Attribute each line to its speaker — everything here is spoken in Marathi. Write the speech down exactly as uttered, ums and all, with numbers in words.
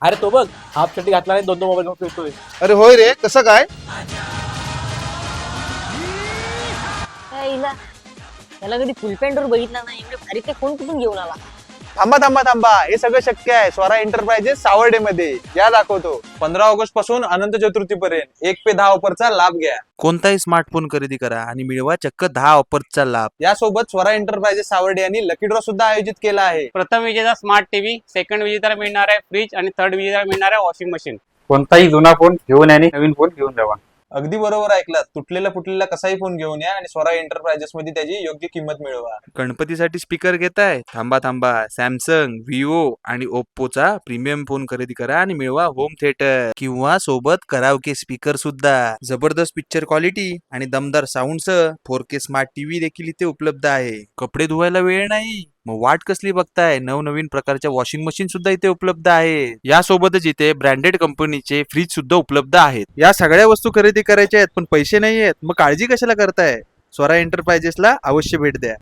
Speaker 1: अरे तो बघ हाफ चड्डी घातला नाही दोन दोन मोबाईल घेऊन फिरतोय.
Speaker 2: अरे होय रे, कसं काय?
Speaker 3: हिला त्याला कधी फुल पॅन्टवर बघितला नाही, एवढे भारी ते फोन कुठून घेऊन आला?
Speaker 2: थांबा थांबा थांबा, हे सगळं शक्य आहे स्वरा एंटरप्राइजेस सावर्डे मध्ये. या दाखवतो. पंधरा ऑगस्ट पासून अनंत चतुर्थी पर्यंत एक पे दहा ऑफरचा लाभ घ्या.
Speaker 4: कोणताही स्मार्टफोन खरेदी करा आणि मिळवा चक्क दहा ऑफर्सचा लाभ.
Speaker 2: यासोबत स्वरा एंटरप्राइजेस सावर्डे यांनी लकी ड्रॉ सुद्धा आयोजित केला आहे.
Speaker 5: प्रथम विजेता स्मार्ट टीव्ही, सेकंड विजेता मिळणार आहे फ्रीज आणि थर्ड विजेता मिळणार आहे वॉशिंग मशीन.
Speaker 6: कोणताही जुना फोन घेऊन आणि नवीन फोन घेऊन जावा.
Speaker 2: अगदी बरोबर ऐकलात. तुटलेला फुटलेला कसाही फोन घेऊन या आणि स्वरा एंटरप्राइजेस मध्ये त्याची योग्य किंमत मिळवा.
Speaker 4: गणपतीसाठी स्पीकर घेताय? थांबा थांबा, सॅमसंग, विवो आणि ओप्पोचा प्रीमियम फोन खरेदी करा आणि मिळवा होम थिएटर किंवा सोबत कराओके स्पीकर सुद्धा. जबरदस्त पिक्चर क्वालिटी आणि दमदार साऊंडसह फोर के स्मार्ट टीव्ही देखील इथे उपलब्ध आहे. कपडे धुवायला वेळ नाही? मग वाट कसली बघताय? नवनवीन प्रकारच्या वॉशिंग मशीन सुद्धा इथे उपलब्ध आहे. यासोबतच इथे ब्रँडेड कंपनीचे फ्रीज सुद्धा उपलब्ध आहेत. या सगळ्या वस्तू खरेदी करायच्या आहेत पण पैसे नाही आहेत, मग काळजी कशाला करताय? स्वरा एंटरप्राइजेसला अवश्य भेट द्या.